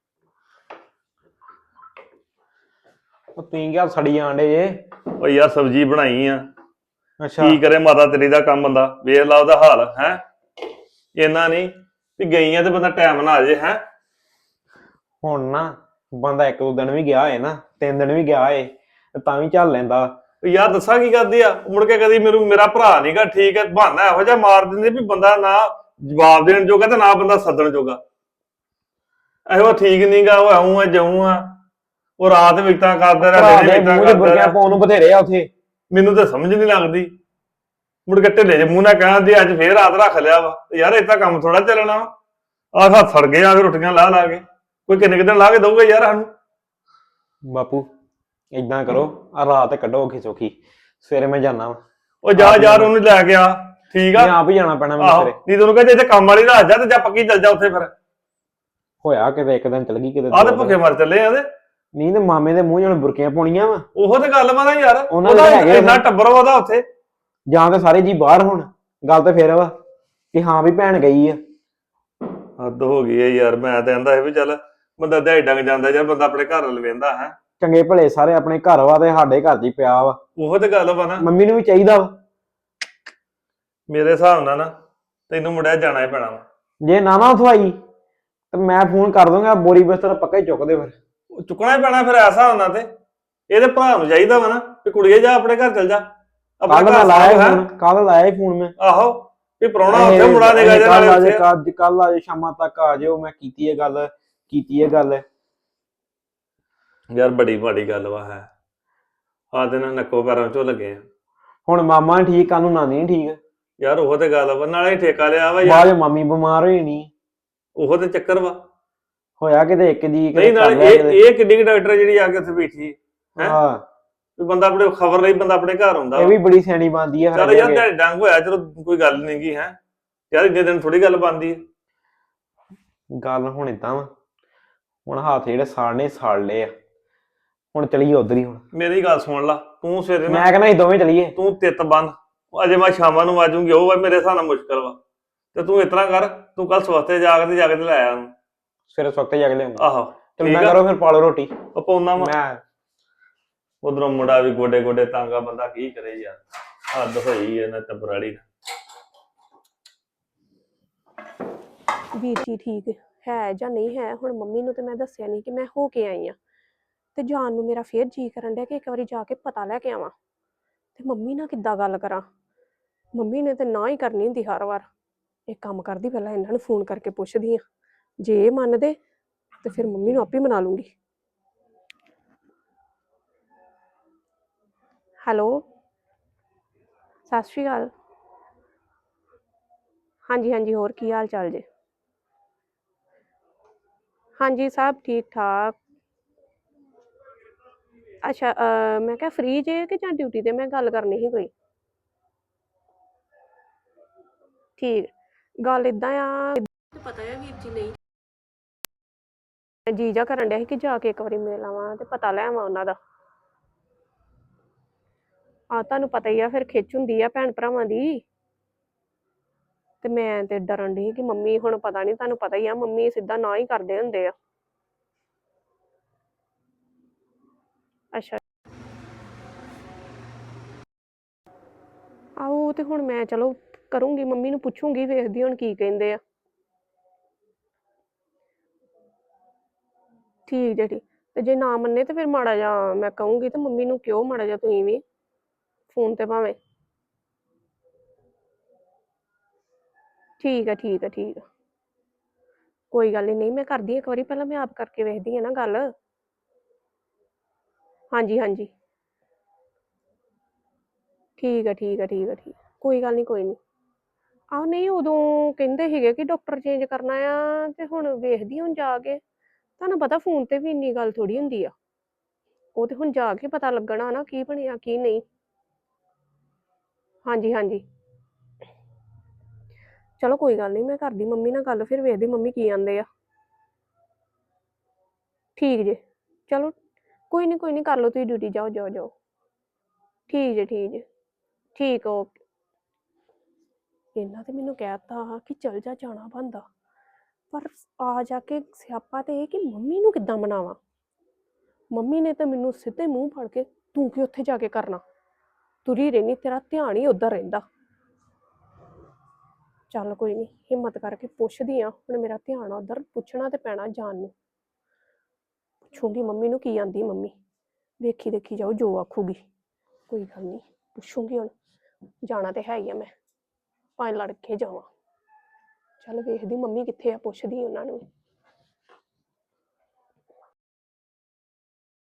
Speaker 6: ਉਹ ਤੁਸੀਂ ਕਿਆ ਸੜੀ ਜਾਂਦੇ ਜੇ?
Speaker 5: ਉਹ ਯਾਰ ਸਬਜ਼ੀ ਬਣਾਈ ਆ
Speaker 6: ਅੱਛਾ
Speaker 5: ਕੀ ਕਰੇ ਮਾਤਾ ਤੇਰੀ ਦਾ ਕੰਮ ਬੰਦਾ ਵੇਖ ਲਾ ਉਹਦਾ ਹਾਲ ਹੈ। ਇਹਨਾਂ ਨਹੀਂ ਵੀ ਗਈਆਂ ਤੇ ਬੰਦਾ ਟਾਈਮ ਨਾਲ ਆ ਜੇ ਹੈ।
Speaker 6: ਹੁਣ ਨਾ ਬੰਦਾ 1-2 ਦਿਨ ਵੀ ਗਿਆ ਏ ਨਾ 3 ਦਿਨ ਵੀ ਗਿਆ ਏ ਤੇ ਤਾਂ ਵੀ ਚੱਲ ਲੈਂਦਾ।
Speaker 5: ਯਾਰ ਦੱਸਾਂ ਕੀ ਕਰਦੀ ਆ ਮੁੜ ਕੇ ਕਦੀ ਮੇਰਾ ਭਰਾ ਨੀਗਾ ਠੀਕ ਹੈ ਬਹਾਨਾ ਇਹੋ ਜਿਹਾ ਮਾਰ ਦਿੰਦੇ ਵੀ ਬੰਦਾ ਨਾ ਜਵਾਬ ਦੇਣ ਜੋਗਾ ਤੇ ਨਾ ਬੰਦਾ ਸੱਦਣ ਜੋਗਾ। ਇਹੋ ਠੀਕ ਨਹੀਂਗਾ ਉਹ ਆਉਂ ਆ ਜਾਉਂ ਆ ਉਹ ਰਾਤ ਵਿਕਤਾਂ ਕਰਦਾ ਰਿਹਾ ਦਿਨੇ ਵਿਕਤਾਂ ਕਰਦਾ
Speaker 6: ਬੁਰਕਿਆਂ
Speaker 5: ਰਿਹਾ।
Speaker 6: ਪਾਉਣ ਨੂੰ ਬਥੇਰੇ ਆ ਉੱਥੇ।
Speaker 5: ਮੈਨੂੰ ਤਾਂ ਸਮਝ ਨਹੀਂ ਲੱਗਦੀ ਮੁੜ ਕੇ ਢਿੱਲੇ ਜਿਹੇ ਮੂੰਹ ਨਾਲ ਕਹਿੰਦੇ ਅੱਜ ਫੇਰ ਰਾਤ ਰੱਖ ਲਿਆ ਵਾ ਯਾਰ ਏਦਾਂ ਕੰਮ ਥੋੜਾ ਚੱਲਣਾ ਵਾ। ਆਹ ਹੱਥ ਸੜ ਗਏ ਆ ਕੇ ਰੋਟੀਆਂ ਲਾ ਲਾ ਕੇ ਕੋਈ ਕਿੰਨੇ ਕੁ ਦਿਨ ਲਾ ਕੇ ਦਊਗਾ ਯਾਰ ਸਾਨੂੰ।
Speaker 6: ਬਾਪੂ ਏਦਾਂ ਕਰੋ ਆ ਰਾਤ ਕੱਢੋ ਔਖੀ ਸੌਖੀ ਸਵੇਰੇ ਮੈਂ ਜਾਣਾ ਵਾ।
Speaker 5: ਉਹ ਜਾ ਯਾਰ ਉਹਨੂੰ ਲੈ ਕੇ ਆ ਠੀਕ ਆ।
Speaker 6: ਮੈਂ ਆਪ ਹੀ ਜਾਣਾ ਪੈਣਾ ਮੈਨੂੰ
Speaker 5: ਆਹੋ
Speaker 6: ਸਵੇਰੇ।
Speaker 5: ਨਹੀਂ ਤੈਨੂੰ ਕਹਿੰਦੇ ਇੱਥੇ ਕੰਮ ਵਾਲੀ ਰਾਤ ਜਾ ਤੇ ਜਾਂ ਪੱਕੀ ਚੱਲ ਜਾ ਉੱਥੇ ਫਿਰ।
Speaker 6: ਹੋਇਆ ਕਿਤੇ 1 ਦਿਨ ਚਲ ਗਈ ਕਿਤੇ
Speaker 5: ਆਹ ਤੇ
Speaker 6: 2
Speaker 5: ਭੁੱਖੇ
Speaker 6: ਦਿਨ।
Speaker 5: ਮਰ ਚੱਲੇ ਆ ਤੇ
Speaker 6: ਨਹੀਂ ਤੇ ਮਾਮੇ ਦੇ ਮੂੰਹ ਜਣ ਬੁਰਕੀਆਂ ਪਾਉਣੀਆਂ ਵਾ
Speaker 5: ਉਹੋ ਤੇ ਗੱਲ ਵਾ ਨਾ ਯਾਰ
Speaker 6: ਉਹਨਾਂ ਦੇ
Speaker 5: ਉਹਦਾ
Speaker 6: ਹੈਗੇ
Speaker 5: ਇੰਨਾ
Speaker 6: ਆ।
Speaker 5: ਟੱਬਰ ਵਾ ਉਹਦਾ ਉੱਥੇ।
Speaker 6: ਜਾਂ ਤੇ ਸਾਰੇ ਜੀ ਬਾਹਰ ਹੁਣ ਗੱਲ ਤੇ ਫੇਰ ਵਾ ਕਿ ਹਾਂ ਵੀ ਭੈਣ ਗਈ ਆ।
Speaker 5: ਹੱਦ ਹੋ ਗਈ ਹੈ ਯਾਰ ਮੈਂ ਤਾਂ ਕਹਿੰਦਾ ਸੀ ਵੀ ਚੱਲ ਬੰਦਾ ਦਿਹਾੜੀ ਡੰਗ ਜਾਂਦਾ ਯਾਰ ਬੰਦਾ ਆਪਣੇ ਘਰ ਵੱਲ ਵੇਂਦਾ ਹੈ।
Speaker 6: ਚੰਗੇ ਭਲੇ ਸਾਰੇ ਆਪਣੇ ਘਰ ਵਾ ਤੇ ਸਾਡੇ ਘਰ 'ਚ ਹੀ ਪਿਆ ਵਾ।
Speaker 5: ਉਹੋ ਤੇ ਗੱਲ ਵਾ ਨਾ
Speaker 6: ਮੰਮੀ ਨੂੰ ਵੀ ਚਾਹੀਦਾ ਵਾ
Speaker 5: ਮੇਰੇ ਹਿਸਾਬ ਨਾਲ ਨਾ ਤੈਨੂੰ ਮੁੜਿਆ ਜਾਣਾ ਹੀ ਪੈਣਾ ਵਾ।
Speaker 6: ਜੇ ਨਾ ਉਥੋਂ ਆਈ ਤੇ ਮੈਂ ਫੋਨ ਕਰ ਦੂੰਗਾ ਬੋਰੀ ਬਿਸਤਰਾ ਪੱਕਾ ਹੀ ਚੁੱਕ ਦੇ ਫਿਰ।
Speaker 5: ਉਹ ਚੁੱਕਣਾ ਹੀ ਪੈਣਾ ਫਿਰ ਐਸਾ ਹੁੰਦਾ ਤੇ ਇਹਦੇ ਭਰਾ ਨੂੰ ਚਾਹੀਦਾ ਵਾ ਨਾ ਵੀ ਕੁੜੀਏ ਜਾ ਆਪਣੇ ਘਰ ਚੱਲ ਜਾ ਆਪਣੇ
Speaker 6: ਕੱਲ ਮੈਂ
Speaker 5: ਘਰ
Speaker 6: ਲਾਇਆ
Speaker 5: ਸਾਂਭ
Speaker 6: ਫੋਨ ਕੱਲ ਲਾਇਆ ਫੋਨ ਮੈਂ
Speaker 5: ਆਹੋ ਵੀ ਪ੍ਰਾਹੁਣਾ ਉੱਥੇ ਮੁੰਡਾ ਨਿਕਲ ਜਾ ਨਾਲੇ ਉੱਥੇ।
Speaker 6: ਕੱਲ ਆ ਜਾਓ ਸ਼ਾਮਾਂ ਤੱਕ ਆ ਜਾਓ ਮੈਂ ਕੀਤੀ ਇਹ ਗੱਲ
Speaker 5: ਯਾਰ ਬੜੀ ਮਾੜੀ ਗੱਲ ਵਾ ਹੈ ਆ ਦਿਨ ਨੱਕੋ ਪੈਰਾਂ ਚੋਂ ਲੱਗੇ ਆ।
Speaker 6: ਹੁਣ ਮਾਮਾ ਨੀ ਠੀਕ ਕੱਲ ਨੂੰ ਨਾਨੀ ਨੀ ਠੀਕ
Speaker 5: ਯਾਰ ਉਹ ਤੇ ਗੱਲ ਵਾ ਨਾਲੇ ਠੇਕਾ ਲਿਆ ਵਾ
Speaker 6: ਬਾਅਦ
Speaker 5: ਯਾਰ
Speaker 6: ਚ ਮਾਮੀ ਬਿਮਾਰ ਹੋਈ ਨਹੀਂ
Speaker 5: ਉਹ ਤੇ ਚੱਕਰ ਵਾ।
Speaker 6: ਹੋਇਆ ਕਿਤੇ ਇੱਕ ਦੀ
Speaker 5: ਨਹੀਂ ਨਾਲੇ ਇਹ ਕਿੱਡੀ ਡਾਕਟਰ ਜਿਹੜੀ ਆ ਕੇ ਉੱਥੇ ਬੈਠੀ ਹੈਂ?
Speaker 6: ਹਾਂ
Speaker 5: ਵੀ ਬੰਦਾ ਆਪਣੇ ਖਬਰ ਲਈ ਬੰਦਾ ਆਪਣੇ ਘਰ ਹੁੰਦਾ
Speaker 6: ਇਹ ਵੀ ਬੜੀ ਸਿਆਣੀ ਬਣਦੀ ਆ
Speaker 5: ਚੱਲ ਯਾਰ ਤੇ ਡੰਗ ਹੋਇਆ ਚਲੋ ਕੋਈ ਗੱਲ ਨੀ ਗੀ ਹੈ ਯਾਰ ਇੰਨੇ ਦਿਨ ਥੋੜੀ ਗੱਲ ਬਣਦੀ ਹੈ।
Speaker 6: ਗੱਲ ਹੁਣ ਏਦਾਂ ਵਾ ਹੁਣ ਹੱਥ ਜਿਹੜੇ ਸਾੜਨੇ ਸਾੜ ਲਏ ਆ ਹੁਣ ਚਲੀਏ ਉਧਰ ਹੀ ਹੁਣ।
Speaker 5: ਮੇਰੀ ਗੱਲ ਸੁਣ ਲਾ ਤੂੰ ਸਵੇਰੇ ਨਾ
Speaker 6: ਮੈਂ ਕਹਿੰਦਾ ਅਸੀਂ ਦੋਵੇਂ ਚਲੀਏ।
Speaker 5: ਤੂੰ ਤਿੱਤ ਬੰਨ ਅਜੇ ਮੈਂ ਸ਼ਾਮਾਂ ਨੂੰ ਆਜੂਗੀ ਉਹ ਵਾ ਮੇਰੇ ਹਿਸਾਬ ਨਾਲ ਮੁਸ਼ਕਲ ਵਾ ਤੇ ਤੂੰ ਇਤਨਾ ਕਰ ਤੂੰ ਕੱਲ ਸਵਸਤੇ ਜਾ ਕੇ ਤੇ ਲੈ ਆ ਉਹਨੂੰ।
Speaker 6: ਸਵੇਰੇ ਸਵਖਤੇ ਜਾ ਕੇ ਲਿਆਉਂਗਾ।
Speaker 5: ਆਹੋ
Speaker 6: ਚਲ
Speaker 5: ਠੀਕ
Speaker 6: ਮੈਂ
Speaker 5: ਆ।
Speaker 6: ਕਰੋ ਫਿਰ ਪਾਲੋ ਰੋਟੀ
Speaker 5: ਉਹ ਪਾਉਣਾ ਵਾ
Speaker 6: ਮੈਂ
Speaker 5: ਉਧਰੋਂ ਮੁੰਡਾ ਵੀ ਗੋਡੇ ਗੋਡੇ ਤਾਂਗਾ ਬੰਦਾ ਕੀ ਕਰੇ ਯਾਰ ਹੱਦ ਹੋਈ ਇਹਨਾਂ ਟੱਬਰਾੜੀ।
Speaker 7: ਵੀਰ ਜੀ ਠੀਕ ਹੈ ਜਾਂ ਨਹੀਂ ਹੈ ਹੁਣ ਮੰਮੀ ਨੂੰ ਤੇ ਮੈਂ ਦੱਸਿਆ ਨਹੀਂ ਕਿ ਮੈਂ ਹੋ ਕੇ ਆਈ ਆ ਤੇ ਜਾਣ ਨੂੰ ਮੇਰਾ ਫੇਰ ਜੀ ਕਰਨ ਡਿਆ ਕਿ ਇੱਕ ਵਾਰੀ ਜਾ ਕੇ ਪਤਾ ਲੈ ਕੇ ਆਵਾਂ ਤੇ ਮੰਮੀ ਨਾਲ ਕਿੱਦਾਂ ਗੱਲ ਕਰਾਂ। ਮੰਮੀ ਨੇ ਤੇ ਨਾ ਹੀ ਕਰਨੀ ਹੁੰਦੀ ਹਰ ਵਾਰ। ਇੱਕ ਕੰਮ ਕਰਦੀ ਪਹਿਲਾਂ ਇਹਨਾਂ ਨੂੰ ਫੋਨ ਕਰਕੇ ਪੁੱਛਦੀ ਆ ਜੇ ਇਹ ਮੰਨਦੇ ਤੇ ਫਿਰ ਮੰਮੀ ਨੂੰ ਆਪੇ ਮਨਾ ਲੂੰਗੀ। ਹੈਲੋ ਸਤਿ ਸ਼੍ਰੀ ਅਕਾਲ। ਹਾਂਜੀ ਹਾਂਜੀ ਹੋਰ ਕੀ ਹਾਲ ਚਾਲ ਜੇ? ਹਾਂਜੀ ਸਭ ਠੀਕ ਠਾਕ। ਅੱਛਾ ਮੈਂ ਕਿਹਾ ਫ੍ਰੀ ਜੇ ਕਿ ਜਾਂ ਡਿਊਟੀ ਤੇ ਮੈਂ ਗੱਲ ਕਰਨੀ ਸੀ ਕੋਈ? ਠੀਕ ਗੱਲ ਇਦਾਂ ਆ ਪਤਾ ਹੈ ਵੀਰ ਜੀ ਨਹੀਂ ਜੀਜਾ ਕਰਨ ਡਿਆ ਸੀ ਕਿ ਜਾ ਕੇ ਇੱਕ ਵਾਰੀ ਮਿਲ ਆਵਾਂ ਤੇ ਪਤਾ ਲੈ ਆਵਾਂ ਉਹਨਾਂ ਦਾ। ਤੁਹਾਨੂੰ ਪਤਾ ਹੀ ਆ ਫਿਰ ਖਿੱਚ ਹੁੰਦੀ ਆ ਭੈਣ ਭਰਾਵਾਂ ਦੀ ਤੇ ਮੈਂ ਤੇ ਡਰਨ ਡਈ ਕਿ ਮੰਮੀ ਹੁਣ ਪਤਾ ਨਹੀਂ, ਤੁਹਾਨੂੰ ਪਤਾ ਹੀ ਆ ਮੰਮੀ ਸਿੱਧਾ ਨਾ ਹੀ ਕਰਦੇ ਹੁੰਦੇ ਆ। ਅੱਛਾ ਆਹੋ ਤੇ ਹੁਣ ਮੈਂ ਚਲੋ ਕਰੂੰਗੀ, ਮੰਮੀ ਨੂੰ ਪੁੱਛੂੰਗੀ, ਵੇਖਦੀ ਹੁਣ ਕੀ ਕਹਿੰਦੇ ਆ। ਠੀਕ ਜੇ ਠੀਕ। ਤੇ ਜੇ ਨਾ ਮੰਨੇ ਤੇ ਫਿਰ ਮਾੜਾ ਜਿਹਾ ਮੈਂ ਕਹੂੰਗੀ ਤੇ ਮੰਮੀ ਨੂੰ ਕਿਉਂ ਮਾੜਾ ਜਿਹਾ ਤੁਸੀਂ ਵੀ ਫੋਨ ਤੇ ਭਾਵੇਂ। ਠੀਕ ਆ ਠੀਕ ਆ ਠੀਕ ਆ, ਕੋਈ ਗੱਲ ਨਹੀਂ, ਮੈਂ ਕਰਦੀ ਹਾਂ ਇੱਕ ਵਾਰੀ, ਪਹਿਲਾਂ ਮੈਂ ਆਪ ਕਰਕੇ ਵੇਖਦੀ ਹਾਂ ਨਾ ਗੱਲ। ਹਾਂਜੀ ਹਾਂਜੀ ਠੀਕ ਆ ਠੀਕ ਆ ਠੀਕ ਆ ਠੀਕ ਆ, ਕੋਈ ਗੱਲ ਨਹੀਂ ਕੋਈ ਨਹੀਂ। ਆਹ ਨਹੀਂ ਉਦੋਂ ਕਹਿੰਦੇ ਸੀਗੇ ਕਿ ਡਾਕਟਰ ਚੇਂਜ ਕਰਨਾ ਆ, ਤੇ ਹੁਣ ਵੇਖਦੀ ਹੁਣ ਜਾ ਕੇ। ਤੁਹਾਨੂੰ ਪਤਾ ਫੋਨ ਤੇ ਵੀ ਇੰਨੀ ਗੱਲ ਥੋੜੀ ਹੁੰਦੀ ਆ, ਉਹ ਤੇ ਹੁਣ ਜਾ ਕੇ ਪਤਾ ਲੱਗਣਾ ਨਾ ਕੀ ਬਣਿਆ ਕੀ ਨਹੀਂ। ਹਾਂਜੀ ਹਾਂਜੀ ਚਲੋ ਕੋਈ ਗੱਲ ਨਹੀਂ, ਮੈਂ ਕਰਦੀ ਮੰਮੀ ਨਾਲ ਗੱਲ, ਫਿਰ ਵੇਖਦੀ ਮੰਮੀ ਕੀ ਆਂਦੇ ਆ। ਠੀਕ ਜੇ, ਚਲੋ ਕੋਈ ਨਹੀਂ ਕੋਈ ਨਹੀਂ, ਕਰ ਲਓ ਤੁਸੀਂ ਡਿਊਟੀ, ਜਾਓ ਜਾਓ ਜਾਓ। ਠੀਕ ਜੇ ਠੀਕ ਜੇ, ਠੀਕ ਓਕੇ। ਇਹਨਾਂ ਤੇ ਮੈਨੂੰ ਕਹਿਤਾ ਕਿ ਚਲ ਜਾ, ਜਾਣਾ ਬਣਦਾ, ਪਰ ਆ ਜਾ ਕੇ ਸਿਆਪਾ ਤੇ ਇਹ ਕਿ ਮੰਮੀ ਨੂੰ ਕਿੱਦਾਂ ਮਨਾਵਾਂ। ਮੰਮੀ ਨੇ ਤਾਂ ਮੈਨੂੰ ਸਿੱਧੇ ਮੂੰਹ ਫੜ ਕੇ, ਤੂੰ ਕੀ ਉੱਥੇ ਜਾ ਕੇ ਕਰਨਾ, ਤੁਰੀ ਰਹਿਨੀ, ਤੇਰਾ ਧਿਆਨ ਹੀ ਉੱਧਰ ਰਹਿੰਦਾ। ਚੱਲ ਕੋਈ ਨਹੀਂ, ਹਿੰਮਤ ਕਰਕੇ ਪੁੱਛਦੀ ਆ, ਹੁਣ ਮੇਰਾ ਧਿਆਨ ਉੱਧਰ, ਪੁੱਛਣਾ ਤੇ ਪੈਣਾ ਜਾਣ ਨੂੰ। ਪੁੱਛੂੰਗੀ ਮੰਮੀ ਨੂੰ ਕੀ ਆਂਦੀ ਮੰਮੀ, ਵੇਖੀ ਦੇਖੀ ਜਾਓ ਜੋ ਆਖੂਗੀ। ਕੋਈ ਗੱਲ ਨਹੀਂ, ਪੁੱਛੂੰਗੀ ਹੁਣ, ਜਾਣਾ ਤੇ ਹੈ ਹੀ ਆ ਮੈਂ, ਭਾਵੇਂ ਲੜ ਕੇ ਜਾਵਾਂ। ਚੱਲ ਵੇਖਦੀ ਮੰਮੀ ਕਿੱਥੇ ਆ, ਪੁੱਛਦੀ ਉਹਨਾਂ ਨੂੰ।